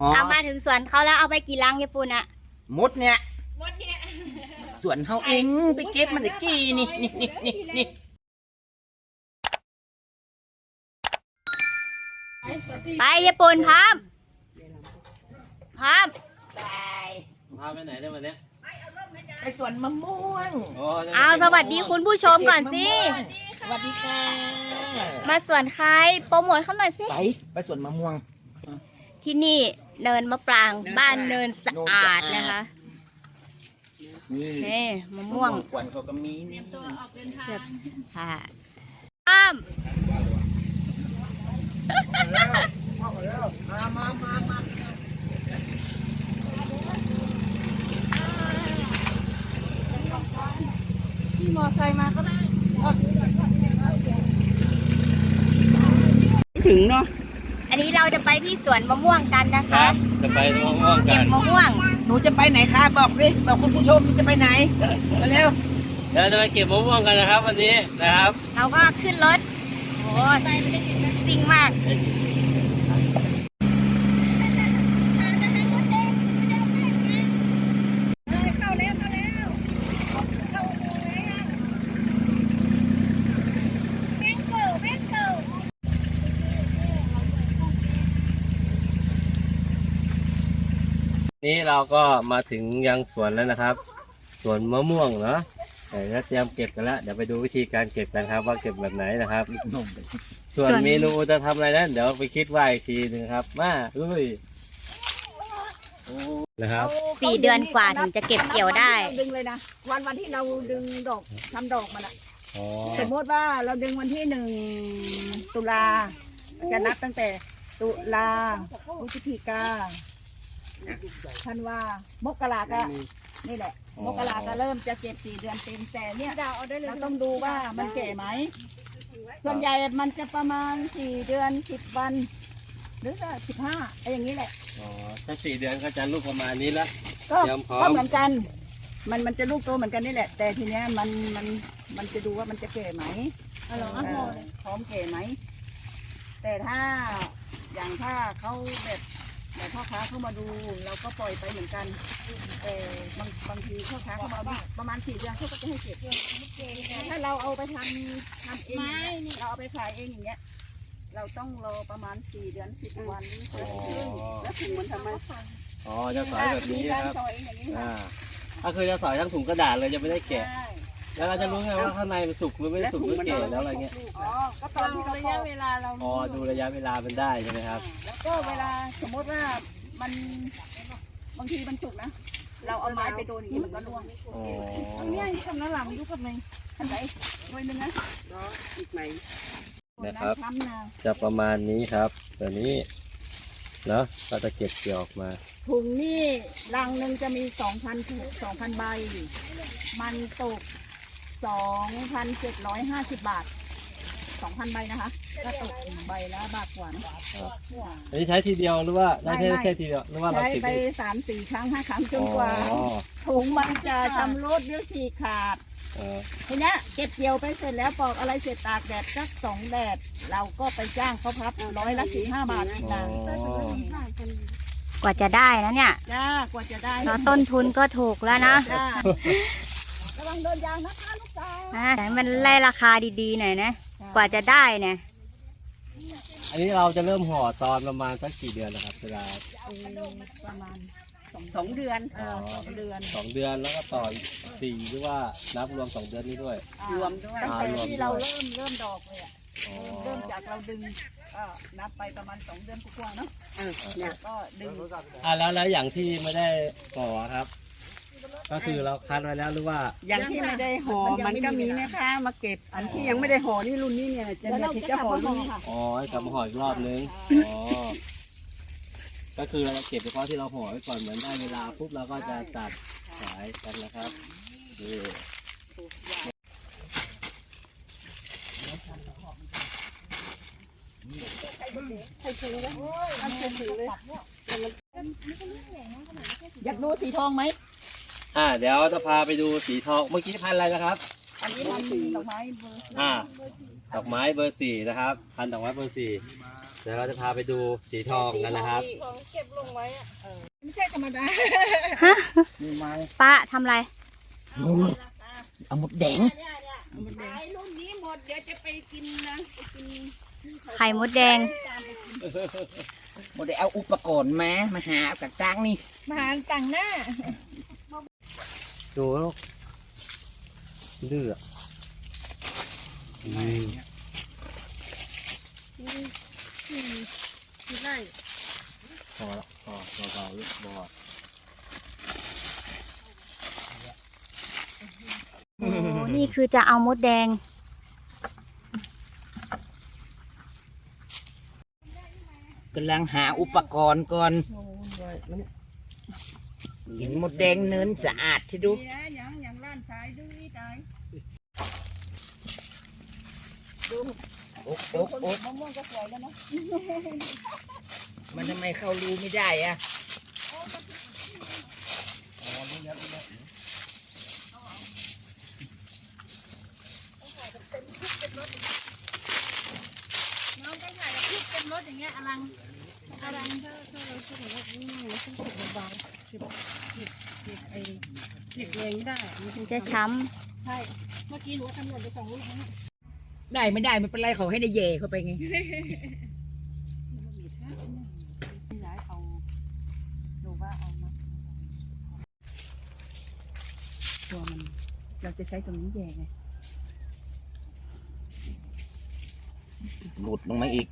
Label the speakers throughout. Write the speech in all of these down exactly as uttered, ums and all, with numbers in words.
Speaker 1: เอามาถึงสวนเขาแล้วเอาไปกี่ลังยายปูนอะ
Speaker 2: มดเนี่ยสวนเขาเองไปเก็บมันตะกี้นี่นี่นี่นี่นี่
Speaker 1: ไปยายปูนพร้อมพร้อม
Speaker 3: พาไปไหนได้วันนี้
Speaker 2: ไปสวนมะม่วง
Speaker 1: เอาสวัสดีคุณผู้ชมก่อนสิ
Speaker 2: สวัสดีค่ะ
Speaker 1: มาสวนใครโปรโมทเขาหน่อยสิ
Speaker 2: ไปไปสวนมะม่วง
Speaker 1: ที่นี่เนินมะปรางบ้านเนินสะอาดนะคะ
Speaker 2: นี่
Speaker 1: นี่มะม่วง
Speaker 2: กวนเขาก็มีนี่
Speaker 1: แบบค่ะอ้อม
Speaker 2: มามามามา
Speaker 1: ที่มอไซค์มาก็ได้
Speaker 2: ถึงเนาะ
Speaker 1: อันนี้เราจะไปที่สวนมะม่วงกันนะ
Speaker 3: ครั
Speaker 1: คะ
Speaker 3: บจะไปมะม่วงกั
Speaker 1: เก็บ
Speaker 3: น
Speaker 1: มะม่วง
Speaker 2: หนูจะไปไหนคะบอกดิบอกคุณผู้ชมจะไปไหนมาเร็ว
Speaker 3: เดี๋ยวจะไปเก็บมะม่วงกันนะครับ วันนี้นะครับ
Speaker 1: เราก็ขึ้นรถโอ้ซิ่งมาก
Speaker 3: นี้เราก็มาถึงยังสวนแล้วนะครับสวนมะม่วงเนาะเดี๋ยวเตรียมเก็บกันแล้วเดี๋ยวไปดูวิธีการเก็บกันครับ ว่าเก็บแบบไหนนะครับ ส่วนเมนูจะทำอะไรนั้นเดี๋ยวไปคิดว่าอีกทีหนึงครับมาลุยนะครับ
Speaker 1: สี่เดือนกว่าถึงจะเก็บเกี่ยวได้
Speaker 4: เราดึงเลยนะวันวันที่เราดึงดอกทำดอกมันอะ
Speaker 3: อ๋อ
Speaker 4: สมมติว่าเราดึงวันที่หนึ่งตุลาจะนับตั้งแต่ตุลาพฤศจิกาธันวามกราก็นี่แหละมกราก็เริ่มจะเก็บสี่เดือนเต็มแต่เนี่ยเราต้องดูว่ามันแก่ไหมส่วนใหญ่มันจะประมาณสี่เดือนสิบวัน หรือก็สิบห้าไอ้อย่างนี้แหละ
Speaker 3: อ๋อถ้าสี่เดือนก็จะลูกประมาณนี้ละ
Speaker 4: ก็
Speaker 3: เตรียมพร้อม
Speaker 4: ก็เหมือนกัน มันมันจะลูกโตเหมือนกันนี่แหละ แต่ทีเนี้ยมันมันมันจะดูว่ามันจะแก่ไหมเออพร้อมแก่ไหม แต่ถ้าอย่างถ้าเขาแบบแบบพ่อค้าเข้ามาดูเราก็ปล่อยไปเหมือนกัน แต่บางบางทีพ่อค้าเข้ามาดูประมาณสี่เดือนเขาก็จะให้เก็บถ้าเราเอาไปทำทำเองเราเอาไปขายเองอย่างเงี้ย เราต้องรอประมาณสี่เดือนสิบวันหรือเดือนครึ่งแล้วถึงมันทำไม
Speaker 3: อ๋อจะสอยแบบนี้นะครับ
Speaker 4: ซอยอย่างนี้
Speaker 3: อ่า
Speaker 4: ค่ะ
Speaker 3: ถ้าคือจะสอยทั้งถุงกระดาษเลยจะไม่ได้แกะ
Speaker 4: ใช่
Speaker 3: แล้วเราจะรู้ไงว่าข้างในมันสุกหรือไม่สุกหรือแก่แล้วอะไรเงี้ย
Speaker 4: อ๋อ ก็ตอนที่เราระยะเวลาเรา
Speaker 3: อ๋อดูระยะเวลามันได้ใช่ไหมครับ
Speaker 4: แล้วก็เวลาสมมติว่ามันบางทีมันสุกนะ เราเอาไม้ไปโดนอย่างนี้มันก็ร่วง
Speaker 3: อ๋อ
Speaker 4: อันนี้ทำน้ำหลังยุบกับในขันไหนไว้นึงนะอีกไหม
Speaker 3: นะครับ
Speaker 4: ทำนะ
Speaker 3: จะประมาณนี้ครับตัวนี้เนาะก็จะเก็บเกี่ยวออกมา
Speaker 4: ถุงนี่ลังหนึ่งจะมีสองพันถุงสองพันใบ มันตกสองพันเจ็ดร้อยห้าสิบบาทสองพันใบนะคะก็ตกใบละบาทกว่านะ
Speaker 3: อันนี้ใช้ทีเดียวหรือว่าได้แค่แค่ทีเดียวหรือว่าเรา
Speaker 4: ใช้
Speaker 3: ติด
Speaker 4: ไปสามสี่ครั้งห้าครั้งจนกว่า
Speaker 3: อ๋อ
Speaker 4: ถุงมันจะชำรุดหรือฉีกขาด
Speaker 3: เออ
Speaker 4: ทีเนี้ยเก็บเกี่ยวไปเสร็จแล้วปอกอะไรเสร็จตากแดดสักสองแดด เราก็ไปจ้างเขาพับร้อยละสี่ห้าบาทอีก
Speaker 3: อ๋อ
Speaker 4: นะ
Speaker 1: กว่าจะได้นะเนี่ย
Speaker 4: จ้ากว่าจะได้
Speaker 1: เนาะต้นทุนก็ถูกแล้วนะ
Speaker 4: จ้าระวังโดนยางนะคะลูกสาว
Speaker 1: อ่ะแต่มันไล่ราคาดีๆหน่อยนะ กว่าจะได้เนี่ย
Speaker 3: อันนี้เราจะเริ่มห่อตอนประมาณสักกี่เดือนนะครับเวลา
Speaker 4: ประมาณสองสองเดือนเออสองเดือน
Speaker 3: สองเดือนแล้วก็ต่ออีกสี่หรือว่านับรวมสองเดือนนี้ด้วย
Speaker 4: รวมด้วยตั้งแต่ที่เราเริ่มเริ่มดอกเลยอะเริ่มจากเราดึงก็นับไปประมาณสองเดือนกว่าๆเนาะเนี่ยก็ดึง
Speaker 3: อ่ะแล้วแล้วอย่างที่ไม่ได้ห่อครับ ก็คือเราคัดไว้แล้วหรือว่า
Speaker 4: อย่างที่ไม่ได้ห่อมันก็มีนะคะมาเก็บอันที่ยังไม่ได้ห่อนี่รุ่นนี้เนี่ยจะเนี่ยที่จะห่อรุ่นนี้
Speaker 3: อ๋อให้กลับมาห่ออีกรอบนึงอ๋อก็คือเราจะเก็บเฉพาะที่เราห่อไว้ก่อนเหมือนได้เวลาปุ๊บเราก็จะตัดขายกันนะครับนี่
Speaker 4: อยากดูสีทองไหม
Speaker 3: อ่าเดี๋ยวจะพาไปดูสีทองเมื่อกี้พันธุ์อะไรนะครับ
Speaker 4: อันนี้มันสีดอกไม้เบอร์
Speaker 3: อ่าดอกไม้เบอร์สี่นะครับพันดอกไม้เบอร์สี่เดี๋ยวเราจะพาไปดูสีทองกันนะครับ
Speaker 4: ไม่ใช่ธรรมดา
Speaker 1: ป้าทำอะไร
Speaker 2: เอาหมดแดง
Speaker 4: ขายรุ่นนี้หมดเดี๋ยวจะไปกินนะไปกิน
Speaker 1: ไข่มดแดง
Speaker 2: หมดได้เอาอุปกรณ์มามาหาเอากระจ้างนี่
Speaker 4: มาหาต่างหน้า
Speaker 3: ดูลูกดื้อ
Speaker 4: ที่ไร่
Speaker 3: พอละพอเบาๆลูกบอด
Speaker 1: โอ้นี่คือจะเอามดแดง
Speaker 2: กำลังหาอุปกรณ์ก่อนกินหมดแดงเนินสะอาดที่ดู
Speaker 4: นี่นะอย่างอย่างร้านสายดูนี่ตาย
Speaker 2: โอ๊กโอ๊กโอ๊ก
Speaker 4: มะม่วงก็สวยแล้วนะ
Speaker 2: มันทำไมเข้ารูไม่ได้อะ
Speaker 4: น้องก็ถ่ายกับพริกเป็นรถอย่างเงี้ยอลังอลังถ้าถ้าเราพูดถึงว่านี่มันต้องเก็บเบาๆเก็บเก็บเก็บไอ้เก็บเองได้มัน
Speaker 1: มันจะช้
Speaker 4: ใช่เมื่อกี้หนูทำหล่นไปสองลูกแล้วนะ
Speaker 2: ได้ไม่ได้ไม่เป็นไรเขาให้ได้เย่เข้าไปไง
Speaker 4: ย้ายเอาดูว่าเอามาตัวมันเราจะใช้ตรงนี้แย่ไง
Speaker 2: หลุดลงมาอีก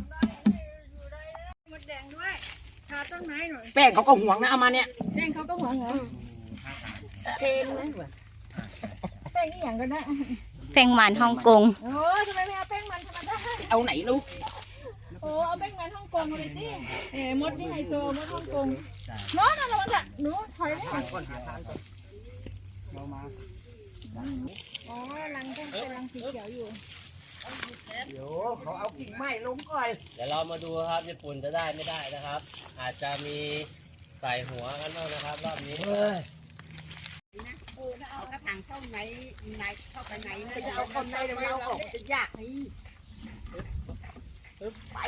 Speaker 4: มดแดงด้วยทาต้นไม้หน่อย
Speaker 2: แป้งเขาก็ห่วงนะเอามาเนี่ย
Speaker 4: แดงเขาก็หวงเหรอเทนนะแป้งนี่อย่างกันนะ
Speaker 1: ำแป้งหวานฮ่องกง
Speaker 4: โอ้ทำไมไม่เอาแป้งมันธรรมดา
Speaker 2: เอาไหนลูก
Speaker 4: โอ้เอาแป้งมันฮ่องกงมาเลยสิเอ๋มดนี่ไฮโซมดฮ่องกงโน้ตอะไรวะเนี่ยหนูถอยเลยอ๋อรังก็เป็นรังสีเขียวอยู่
Speaker 2: เดี๋ยวเขาเอากิ่งไม้ลงก่อน
Speaker 3: เดี๋ยวเรามาดูครับญี่ปุ่นจะได้ไม่ได้นะครับ อาจจะมีใส่หัวกันบ้างนะครับรอบนี้
Speaker 2: เฮ้ย
Speaker 4: เออถ้าเอากระถางเข้าไหนไหนเข้าไปไหนนะ
Speaker 2: จะเอาคนในเดี๋ยวเราออกจะยากนี่ไป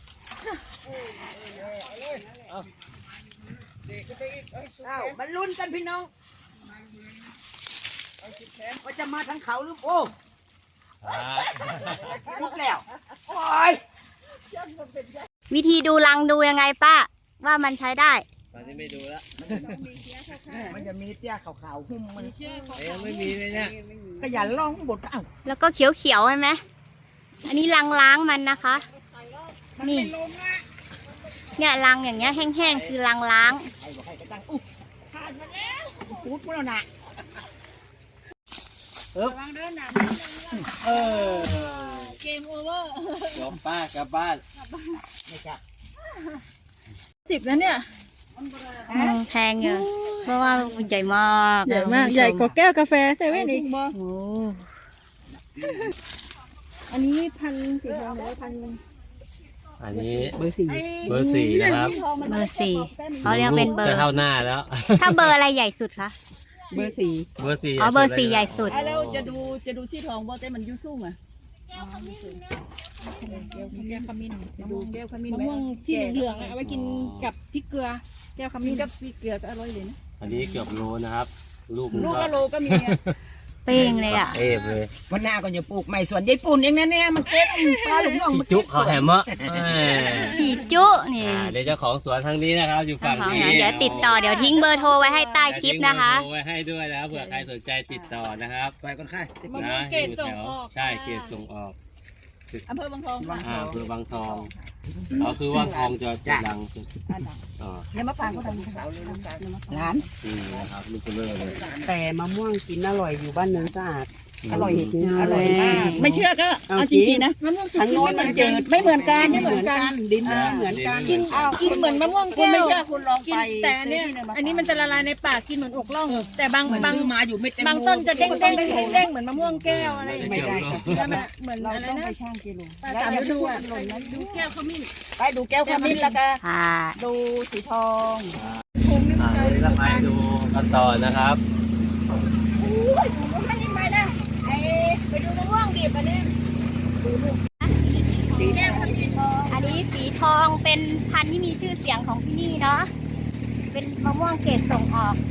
Speaker 2: เอามันลุ้นกันพี่น้องว่าจะมาทั้งเขาหรือโอ้ลุกแล้วโอ้ย
Speaker 1: วิธีดูรังดูยังไงป้า ว่ามันใช้ได้
Speaker 3: ตอนนี้ไม่ดูแล้ว
Speaker 2: มันจะมีเตี้ยขาวๆหุ้มมัน
Speaker 3: ยังไม่มีเลยเนี่ย
Speaker 2: ก็อย่าล่องบดเอ้า
Speaker 1: แล้วก็เขียวๆใช่ไหม อันนี้รังล้างมันนะคะ นี่ เนี่ยรังอย่างเงี้ยแห้งๆคือรังล้าง
Speaker 2: ใครบอกให้กระตังอุ๊ยขาดมาแล้วปุ๊บมาแล้วนะ
Speaker 4: ระวังเดินหนา
Speaker 2: เออ
Speaker 4: เกมโอเวอร์
Speaker 3: จบป้ากลับบ้าน
Speaker 2: ไม่ใช่
Speaker 4: สิบแล้วเนี่ย
Speaker 1: อืมแพงอยู่เพราะว่ามันใหญ่มาก
Speaker 4: ใหญ่มากใหญ่กว่าแก้วกาแฟเซเว่นอีก
Speaker 1: โอ้
Speaker 4: อันนี้พันสีทองหรือว่าพัน
Speaker 3: อันนี้
Speaker 2: เบอร์สี่
Speaker 3: เบอร์สี่นะครับ
Speaker 1: เบอร์สี่เขาเรียกเป็นเบอ
Speaker 3: จะ
Speaker 1: ร์
Speaker 3: เท่าหน้าแล้ว
Speaker 1: ถ้าเบอร์อะไรใหญ่สุดคะ
Speaker 2: เบอร์สี่
Speaker 3: เบอร์สี่
Speaker 1: อ๋อเบอร์สี่ใหญ่สุด
Speaker 4: อ่ะแล้วจะดูจะดูที่ทองว่าแต่มันยุ่สูงอ่ะแก้วขมิ้นจะดูแก้วขมิ้น
Speaker 5: มะม่วงที่เหลืองๆอะเอาไว้กินกับพริกเกลือ แก้วข
Speaker 4: มี
Speaker 5: มิ้น
Speaker 4: กับพริกเกลือก็อร่อยเลยนะ
Speaker 3: อันนี้เกือบโลนะครับ ลูก
Speaker 4: ลูกกะโลก็มีอ่ะ
Speaker 1: เป้งเลยอ่ะ
Speaker 3: เอฟเลย
Speaker 2: วันหน้าก็จะปลูกใหม่สวนญี่ปุ่นเองนะเนี่ยมันเก็บปลาหลุมน้อง
Speaker 3: พี่
Speaker 2: มัน
Speaker 3: จุเขาแหมะแหม
Speaker 1: ผีจุนี่
Speaker 3: อ่าเดี๋ยวเจ้าของสวนทางนี้นะครับ อยู่ฝั่งนี้
Speaker 1: เดี๋ยวติดต่อเดี๋ยวทิ้งเบอร์โทรไว้ให้ใต้คลิปนะคะ
Speaker 3: เดี๋ยวทิ้งเบอร์โทรไว้ให้ด้วยนะครับเผื่อใครสนใจติดต่อนะครับ
Speaker 2: ไปก่อนค่ะ
Speaker 5: มะม่ว
Speaker 3: นะ
Speaker 5: งเกรด
Speaker 3: อยู่
Speaker 5: ส่ง
Speaker 3: แถว
Speaker 5: ออก
Speaker 3: ใช่เกรดส่งออก
Speaker 4: อำเภอบางทอง
Speaker 3: อ่าคือบางทองอ๋อคือว่างทองจะจะดังสุดอ๋อ
Speaker 4: แล้วมะปรางก็ทำขาวเลยน้ำตาล
Speaker 2: ร้าน
Speaker 3: นี่นะครับลูกเบลอเลย
Speaker 6: แต่มะม่วงกินอร่อยอยู่บ้านเนินสะอาด อร่อยจริง
Speaker 4: อร่อยมากไม่เชื่อก็
Speaker 6: เอา
Speaker 4: เอา
Speaker 6: จ
Speaker 4: จ
Speaker 6: ริ
Speaker 4: ริ
Speaker 6: ง
Speaker 4: งๆนะ
Speaker 5: มะม่วงสุ
Speaker 6: ทาง
Speaker 5: ก
Speaker 6: โน้นมันจืด
Speaker 4: ไม่เหมือนกัน
Speaker 6: ไม่เหมือนกันดินไม่เหมือนกัน
Speaker 5: กินกินเหมือนมะม่วง
Speaker 4: คุณ
Speaker 5: แก้
Speaker 4: ไม่
Speaker 5: ว
Speaker 4: เชื่อคุณลอง
Speaker 5: กิ
Speaker 4: ไป
Speaker 5: นแต่อันเนี้ยอันนี้มันจะละลายในปากกินเหมือนอกล่อง แต่บางบาง
Speaker 4: มาอยู่ไม่เต็ม
Speaker 5: บางต้นจะเด้งเด้งเด้งเด้งเหมือนมะม่วงแก้วอะไรอย่าง
Speaker 6: ไม่
Speaker 5: เงี้ย
Speaker 6: ได้ครับ
Speaker 5: แล้วมันเหมือน
Speaker 6: เรา
Speaker 5: อะไร
Speaker 6: ต้อง
Speaker 5: นะ
Speaker 6: ไปช่างกิโล
Speaker 5: ปลาสามฤดูอ่ะดูแก้วขมิ้น
Speaker 4: ไปดูแก้วขมิ้นแล้วก็
Speaker 1: ค่ะ
Speaker 4: ดูสีทอง
Speaker 3: อ่าเดี๋ยวเราไปดูกันต่อนะครับ
Speaker 4: ไปดูมะม่วงดิบอันนี้ดู
Speaker 1: เป็นพันธุ์ที่มีชื่อเสียงของที่นี่เนาะเป็นมะม่วงเกรดส่งออก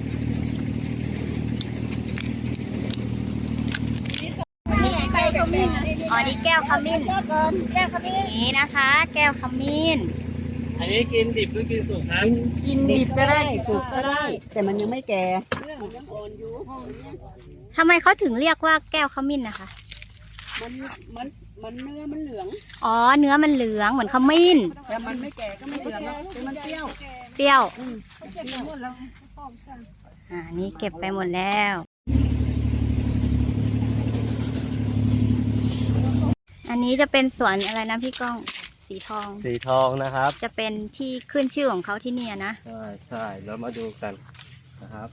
Speaker 1: นี่แก้วขมิ้นอ๋อนี่แก้วขมิ้นแก้วขมิ้นนี่นะคะ แก้วขมิ้น
Speaker 3: อันนี้กินดิบหรือกินสุกครับ
Speaker 6: กินดิบก็ได้สุกก็ได้ แต่มันยังไม่แก่
Speaker 1: ทำไมเขาถึงเรียกว่าแก้วขมิ้นนะคะ
Speaker 6: มันมันมันเนื้อมันเหลือง
Speaker 1: อ๋อเนื้อมันเหลืองเหมือนขมิ้น
Speaker 6: แต่มันไม่แก่ก็ไม่เหลืองหรอกแต่มันเปรี้ยว
Speaker 1: เปรี้ยวอ่านี่เก็บไปหมดแล้ว อันนี้จะเป็นสวนอะไรนะพี่ก้องสีทอง
Speaker 3: สีทองนะครับ
Speaker 1: จะเป็นที่ขึ้นชื่อของเขาที่เนี่ยนะ
Speaker 3: ใช่ใช่แล้วมาดูกันนะครับ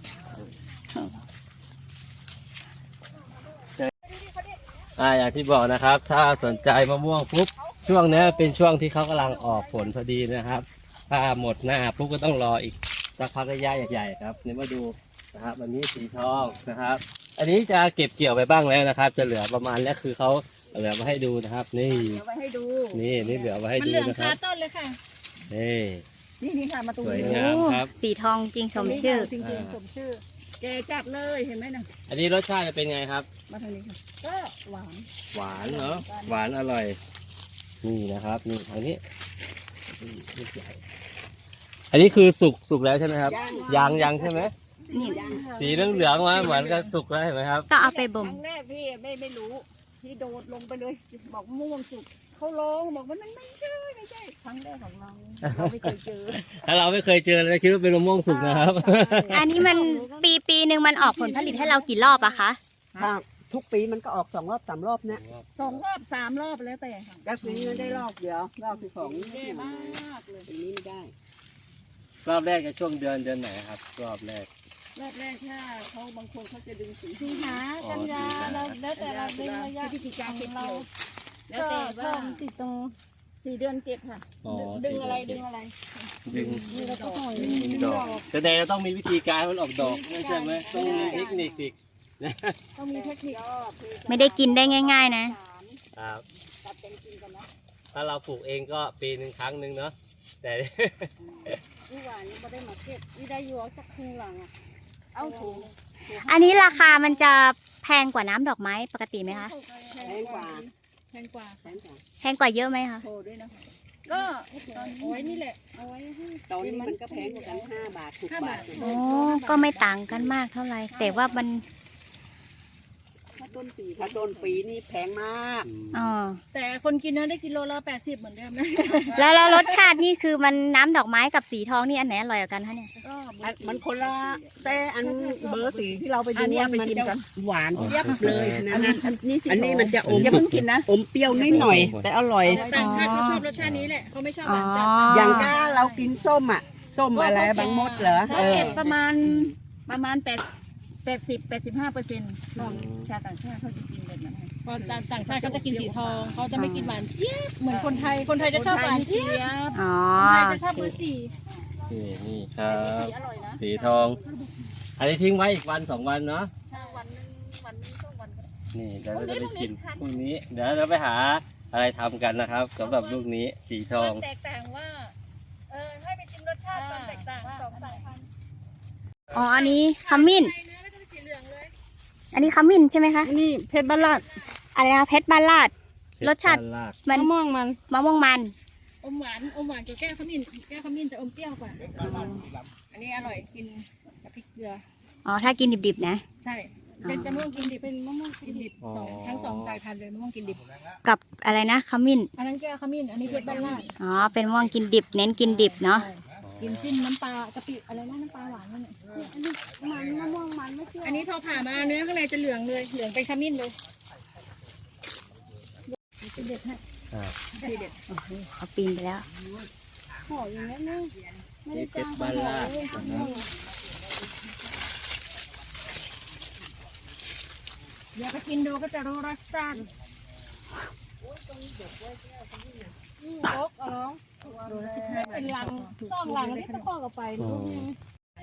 Speaker 3: อ่าอย่างที่บอกนะครับ ถ้าสนใจมะม่วงปุ๊บช่วงนี้เป็นช่วงที่เขากำลังออกผลพอดีนะครับ ถ้าหมดหน้าปุ๊บก็ต้องรออีกสักพักระยะใหญ่ๆครับนี่มาดูนะครับอันนี้สีทองนะครับ อันนี้จะเก็บเกี่ยวไปบ้างแล้วนะครับ จะเหลือประมาณนี้คือเขาเหลือมาให้ดูนะครับ นี่
Speaker 4: เอาไว้ให้ดู
Speaker 3: นี่นี่เหลือมาให้
Speaker 5: มัน
Speaker 3: ดู
Speaker 5: เหลือง
Speaker 3: นะค
Speaker 5: คา
Speaker 3: รับ
Speaker 5: ต้นเลยค่ะ
Speaker 3: นี่
Speaker 4: นี่นี่ค่ะมาตรง
Speaker 3: สวย
Speaker 4: นี้
Speaker 3: งามครับ
Speaker 1: สีทองจริงสมชื่อ
Speaker 4: จริงๆสมชื่อ แกจัดเลยเห็นไหมนะ
Speaker 3: อันนี้รสชาติจะเป็นไงครับ
Speaker 4: มาทางนี้ค่ะก็หวาน
Speaker 3: หวานเนาะหวานอร่อย นี่นะครับนี่ทางนี้นี่ลูกใหญ่อันนี้คือสุกสุกแล้วใช่ไหมครับยังยังใช่ไหม
Speaker 1: นี่
Speaker 3: สีเหลืองเหลืองๆมาเหมือนกับสุกแล้วเห็นไหมครับ
Speaker 1: ก็เอาไปบ่ม
Speaker 4: ครั้งแรกพี่ไม่ไม่รู้พี่โดดลงไปเลย บอกม่วงสุกเขาร้องบอกว่ามันไม่ใช่ไม่ใช่ครั้งแรกของเราเราไม่เคยเจอ
Speaker 3: ถ้าเราไม่เคยเจอเราคิดว่าเป็นมะม่วงสุกนะครับ
Speaker 1: อันนี้มันปีปีหนึ่งมันออกผลผลิตให้เรากี่รอบอะคะ
Speaker 6: ถ้าทุกปีมันก็ออกสองรอบสามรอบเนี่ย
Speaker 4: สองรอบสามรอบแล้วแต่ค่ะ
Speaker 6: แล้วปีนี้ได้รอบเดียวรอบที่สอง
Speaker 4: แย่มากเลย
Speaker 6: ปีนี้ไม่ได้
Speaker 3: รอบแรกจะช่วงเดือนเดือนไหนครับ รอบแรก
Speaker 4: รอบแรกถ้าเขาบางคนเขาจะดึงสิง
Speaker 5: สิงหากันยาเราแล้วแต่เราดึงระยะ
Speaker 4: พฤศจิกาเก็บ
Speaker 5: เรา
Speaker 4: เกี่ยวแล้วแต่ว่าติดตรงสี่เดือนเก็บค่ะ
Speaker 3: อ๋อ
Speaker 5: ดึงอะไรดึงอะไร
Speaker 3: ดึง
Speaker 5: นี่เราก็ถอย
Speaker 3: ดึงดอกแสดงว่าต้องมีวิธีการให้มันออกดอกใช่ไหมต้องมีเทคนิคอีก
Speaker 5: ต้องมีเทคนิค
Speaker 1: ไม่ได้กินได้ง่าย ๆ นะ
Speaker 3: ครับถ้าเราปลูกเองก็ปีหนึ่งครั้งหนึ่งเนาะแต่
Speaker 4: นี่หวานนี่ไม่ได้มาเก็บนี่ได้อยู่จากครึ่งหลังอ่ะเอาถูก
Speaker 1: อันนี้ราคามันจะแพงกว่าน้ำดอกไม้ปกติไหมคะ
Speaker 6: แพงกว่า
Speaker 5: แพงกว่า
Speaker 6: แพงกว่า
Speaker 1: แพงกว่าเยอะไหมคะ
Speaker 4: โทรด้วยนะคะก็เอาไว้นี่แหละเอาไว้ให้
Speaker 6: ตอนนี้มันก็แพงกว่ากันห้าบาทหกบาท
Speaker 1: โอ้ก็ไม่ต่างกันมากเท่าไหร่แต่ว่ามัน
Speaker 6: ถ้าต้นปีถ้าต้นปีนี่แพงมาก
Speaker 1: อ๋อ
Speaker 5: แต่คนกินนะได้กิโลละแปดสิบเหมือนเดิมนะ
Speaker 1: แล้วแล้วรสชาตินี่คือมันน้ำดอกไม้กับสีทองนี่อันไหนอร่อยกว่ากันคะเนี่ย
Speaker 4: ก็
Speaker 6: อันมันคนละแต่อันเบอร์สีที่เราไปดู
Speaker 4: อันนี้
Speaker 6: ว่า
Speaker 4: เอาไป
Speaker 6: มัน
Speaker 4: ชิม
Speaker 6: จะ
Speaker 4: กัน
Speaker 6: หวานเยียบเลยนะ
Speaker 4: อันนี้อันนี้สิ
Speaker 6: อันนี้มันจะอม
Speaker 4: อย่าเพิ่งกินนะ
Speaker 6: อมเปรี้ยวนิดหน่อย แต่อร่อย
Speaker 5: แต่ต่างชาติเขาชอบรสชาตินี้แหละเขาไม่ชอบห
Speaker 1: อ๋อ
Speaker 5: วานจัด
Speaker 6: อย่างก้าเรากินส้มอ่ะ ส้มอะไรบางมดเหรอ
Speaker 4: เขา
Speaker 6: เออ
Speaker 4: เก็บประมาณประมาณแปดแปดสิบแปดสิบห้าเปอร์เซ็นต์นอกชาติต่างชาติเขาจะกินแบบนั้น
Speaker 5: พอต่างชาติเขาจะกินสีทองเขาจะไม่กินหวานเจี๊ยบเหมือนคนไทยคนไทยจะชอบหวานเจี๊ยบ
Speaker 1: อ๋อ
Speaker 5: คนไทยจะชอบเบอร์สี่
Speaker 3: นี่นี่ครับ สีทอง อันนี้ทิ้งไว้อีกวันสองวันเนาะ
Speaker 4: วันนึงวันนึงสองวันก็ได้
Speaker 3: นี่เดี๋ยวเราจะไปชิมพรุ่งนี้ เดี๋ยวเราไปหาอะไรทำกันนะครับสำหรับลูกนี้สีทอง
Speaker 5: แตกต่างว่าเออให้ไปชิมรสชาติความแตกต่างสองสายพันธุ์
Speaker 1: อ๋ออันนี้ขมิ้น
Speaker 5: ไทยนะก็จะเป็นสีเหลืองเลย
Speaker 1: อันนี้ขมิ้นใช่ไหมคะ
Speaker 4: นี่เพชรบ้านลาด
Speaker 1: อะไรนะเพชรบ้านลาด รสชาติ มัน
Speaker 4: มะม่วงมัน
Speaker 1: มะม่วงมัน
Speaker 5: อมหวานอมหวานกับแก้วขมิ้นแก้วขมิ้นจะอมเปรี้ยวกว่า อันนี้อร่อยกินกับพริกเกลือ
Speaker 1: อ๋อถ้ากินดิบๆนะ
Speaker 5: ใช่ เป็นมะม่วงกินดิบ เป็นมะม่วงกินดิบสองทั้งสองสายพันธุ์เลยมะม่วงกินดิบ
Speaker 1: กับอะไรนะขมิ้น
Speaker 5: อันนั้นแก้วขมิ้น อันนี้เพชรบ้านลาด
Speaker 1: อ๋อเป็นมะม่วงกินดิบ เน้นกินดิบเนาะ
Speaker 5: ใช่กินจิ้มน้ำปลากะปิอะไรนะน้ำปลาหวานนั่นแหละ
Speaker 4: มันมะม่วงมันไม่เชื่อ
Speaker 5: อันนี้พอผ่ามาเนื้อข้างในจะเหลืองเลย เหลืองเป็นขมิ้นเลยเป็นเด็ดให้
Speaker 1: เขาปีนไปแล้ว
Speaker 5: ห่ออย่างนี้นะไม่ได้
Speaker 3: นี่เพ
Speaker 5: จ้า
Speaker 3: ช
Speaker 5: ง
Speaker 3: รบ้านลาดนะครับ
Speaker 5: เดี๋ยวไปกินดูก็จะรู้รสชาติเป็นลังซ่องลังนี่ตะโกกออกไปรู้ไหม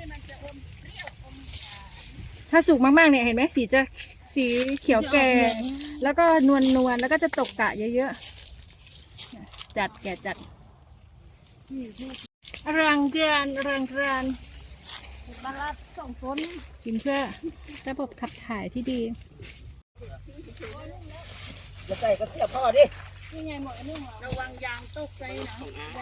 Speaker 5: ถ้าสุกมากๆเนี่ยเห็นไหมสีจะสีเขียวแก่ แล้วก็นวลนวลๆแล้วก็จะตกกะเยอะๆจัดแก่จัดรังเกียนรังเกียนบาลัดสองต้นกินเพื่อระบบขับถ่ายที่ดี
Speaker 2: แล้วใส่ก็เสียบพ่อดิ
Speaker 5: นี่ไงหมดนี่หมดระวังยางตกใจนะ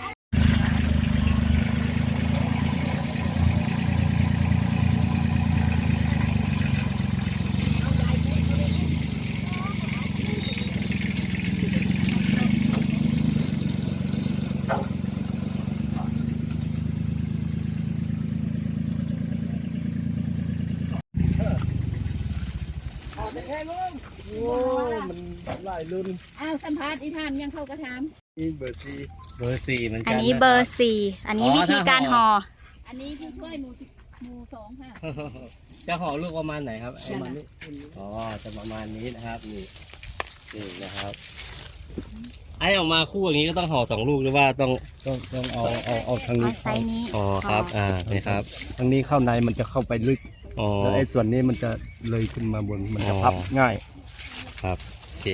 Speaker 3: โอ้มันหลายรุ่น
Speaker 5: อ้าวสัมภาษณ์อีทามยังเข้ากระท
Speaker 3: นี่เบอร์สี่เบอร์สี่เหมือนกัน
Speaker 1: อันนี้เบอร์สี่อันนี้วิธีการห่อ
Speaker 5: ำอันนี้ผู้ช่วยหมู่สิบหมู่สองค่ะ
Speaker 3: จะห่อลูกประมาณไหนครับประมาณนี้อ๋อจะประมาณนี้นะครับนี่นี่นะครับไอ้ออกมาคู่อย่างนี้ก็ต้องห่อสองลูกหรือว่าต้องต้องต้องเอาเอาเอาทาง
Speaker 1: เอา
Speaker 3: นี้
Speaker 1: ไซส์นี้
Speaker 3: อ๋อครับอ่านี่ครับ
Speaker 7: ทางนี้เข้าในมันจะเข้าไปลึก
Speaker 3: อ๋อ
Speaker 7: แล้วไอ้ส่วนนี้มันจะเลยขึ้นมาบนมันจะ
Speaker 3: อ๋อ
Speaker 7: พับง่าย
Speaker 3: ครับโอเค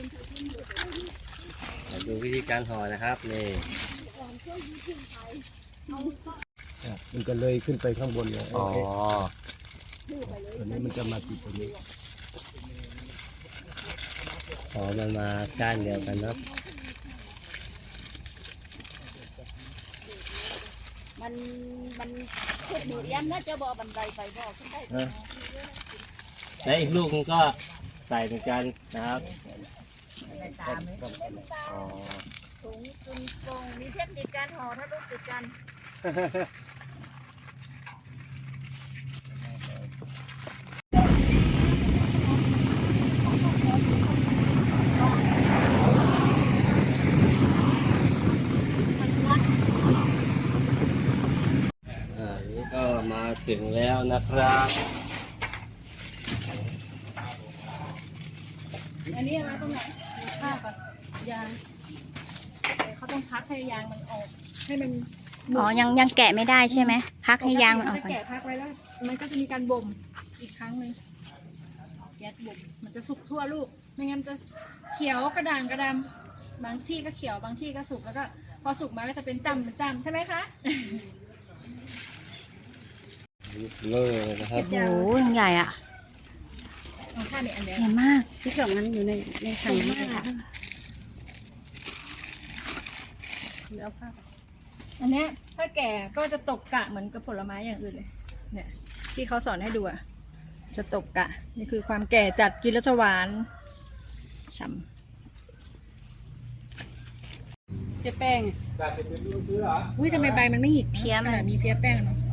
Speaker 3: มาดูวิธีการห่อนะครับนี่
Speaker 7: มันจะเลยขึ้นไปข้างบนเลย
Speaker 3: อ๋อ
Speaker 7: ส่วนนี้มันจะมาติดตรงนี้
Speaker 3: อ๋อมันมาก้านเดียวกันเนาะ
Speaker 4: มันมันขึ้นหนูเรียนนะจะบอกบันไดไปบอกขึ้นได้
Speaker 3: และอีกลูกนึงก็ใส่เหมือนกันนะครับ
Speaker 4: ตามไหม
Speaker 3: อ๋อ
Speaker 4: ถุงตุนกงมีเทคนิคการห่อถ้าลูกติดกัน
Speaker 3: อ่านี่ก็มาถึงแล้วนะครับ
Speaker 5: อันนี้อะไรตรงไหนดูภาพก่อนยางเขาต้องพักให้ยางมันออก ให้มัน
Speaker 1: อ๋อยังยังแกะไม่ได้ใช่ไหมพักให้ยางมันออก
Speaker 5: จะ
Speaker 1: ก่อน
Speaker 5: แกะพักไว้แล้ว มันก็จะมีการบ่มอีกครั้งหนึ่งแก๊สบ่มมันจะสุกทั่วลูก ไม่งั้นจะเขียวกระด่างกระดำบางที่ก็เขียวบางที่ก็สุกแล้วก็พอสุกมาก็จะเป็นจำเป็นจำใช่ไหมคะ
Speaker 3: เลยนะครับ
Speaker 1: โอ้โหยังใหญ่อ่ะ
Speaker 5: เอาข้าในอันเดียว
Speaker 1: ใหญ่มาก
Speaker 6: ที่สองนั้นอยู่ในในถังนี้ค่ะ
Speaker 5: แล้วผ้าอันเนี้ยถ้าแก่ก็จะตกกะเหมือนกับผลไม้อย่างอื่นเลย เนี่ยที่เขาสอนให้ดูอะจะตกกะ นี่คือความแก่จัดกินแล้วจะหวานฉ่ำ
Speaker 6: เจ๊แป้ง
Speaker 5: อุ้ยทำไมใบมันไม่หิก
Speaker 1: เพี้ยมัน
Speaker 5: ขนาดมีเพี้ยแป้งเนาะ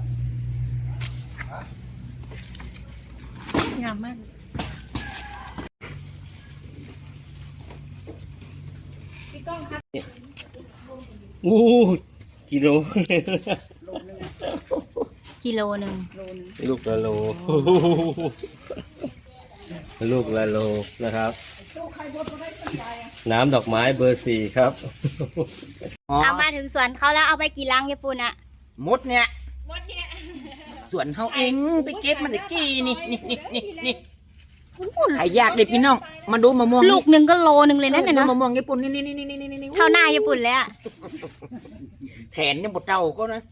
Speaker 5: งามมากพี่ก้องครับ
Speaker 3: อู้กิโล
Speaker 1: กิโลหนึ่ง
Speaker 3: ลูกละโล ลูกละโลนะครับ น้ำดอกไม้เบอร์สี่ครับ
Speaker 2: อ๋อ
Speaker 1: เอามาถึงสวนเขาแล้วเอาไปกี่ลังญี่ปุ่นอะ
Speaker 2: มดเนี่ยสวนเฮาเองไปเก็บมันตะกี้นี่นี่นี่นี่นี่หายากเด็ดพี่น้องมาดูมะม่วง
Speaker 1: ลูกหนึ่งก็โลหนึ่งเลยนั่น
Speaker 2: ดู
Speaker 1: น่ะเนาะ
Speaker 2: มะม่วงญี่ปุ่นนี่นี่นี่นี่นี่นี่
Speaker 1: เท่าหน้าญี่ปุ่นเลยอะ
Speaker 2: แขนเนี่ยบดเจ้าก็นะ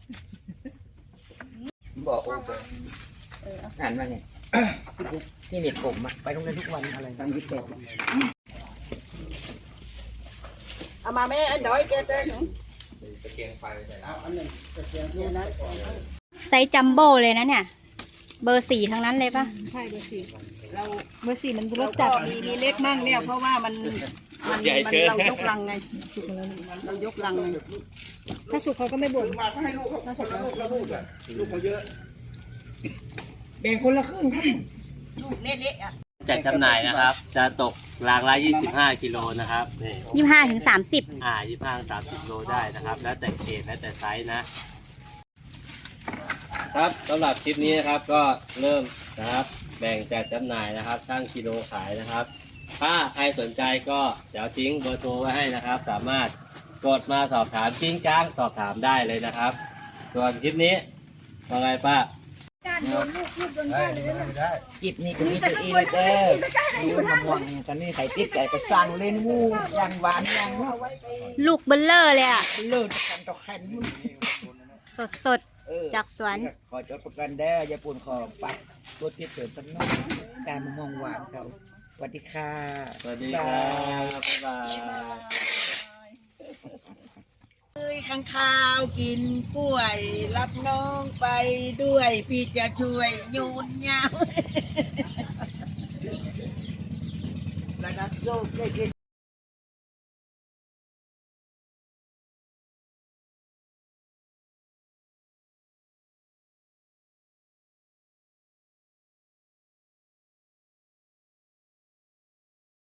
Speaker 2: บอกโอ้โหอ่านว่าไงที่เน็ตผมอะไปโรงเรียนทุกวันอะไรตั้งยี่สิบแปด
Speaker 4: เอามาแม่อันน้อยแกจะหนู
Speaker 1: ไซส์จัมโบ้เลยนะเนี่ย เบอร์สี่ทั้งนั้นเลยปะ
Speaker 5: ใช่เบอร์สี่
Speaker 4: เรา
Speaker 5: เบอร์สี่มันร
Speaker 4: เรา
Speaker 5: ส
Speaker 4: จั
Speaker 5: จั
Speaker 4: ด
Speaker 5: ด
Speaker 4: มีมีเล็กมั่งเนี่ยเพราะว่ามันมัน
Speaker 3: ใหญ่
Speaker 4: มัน
Speaker 3: เกิน
Speaker 4: เรายกลังไงเรายกลังไง
Speaker 5: ถ้าสุกเขาก็ไม่บ่นถ้าสุกแล้ว
Speaker 2: แบ่งคนละครึ่งครับ
Speaker 4: ลูกเละๆอ่ะ
Speaker 3: จัดจำหน่ายนะครับ จะตกรางละยี่สิบห้ากิโลนะครับนี่
Speaker 1: ยี่ห้าถึงสามสิบ
Speaker 3: อ่ายี่สิบห้าสามสิบโลได้นะครับ แล้วแต่เกรดแล้วแต่ไซส์นะ ครับสำหรับคลิปนี้นะครับก็เริ่มนะครับแบ่งจัดจำหน่ายนะครับช่างกิโลขายนะครับ ถ้าใครสนใจก็เดี๋ยวทิ้งเบอร์โทรไว้ให้นะครับ สามารถกดมาสอบถามกิ้งก้างสอบถามได้เลยนะครับ ส่วนคลิปนี้ว่าไงป้า
Speaker 5: การโยนลูกลูกโยนได้เลยนะ
Speaker 2: จิบนี่ก็มีตัวเองเลยเด้อดูมะม่วงนี่ตอนนี้ใส่ติ๊กใส่กระสังเล่นวูอย่างหวานอย่าง
Speaker 1: ลูกเบลเลอร์เลยอะ
Speaker 2: เลิศกันตอกขัน
Speaker 1: สดสดๆจากสวน
Speaker 2: ขอจดประกันเด้อยาปูนขอปักตัวติดเสริมสักหน่อยการมะม่วงหวานเขาสวัสดีค่ะ
Speaker 3: สวัสดีครับบ๊ายบาย
Speaker 2: เอ้ยข้างข้าวกินกล้วย รับน้องไปด้วยพี่จะช่วยโยนยาวระดับโลกได้กิน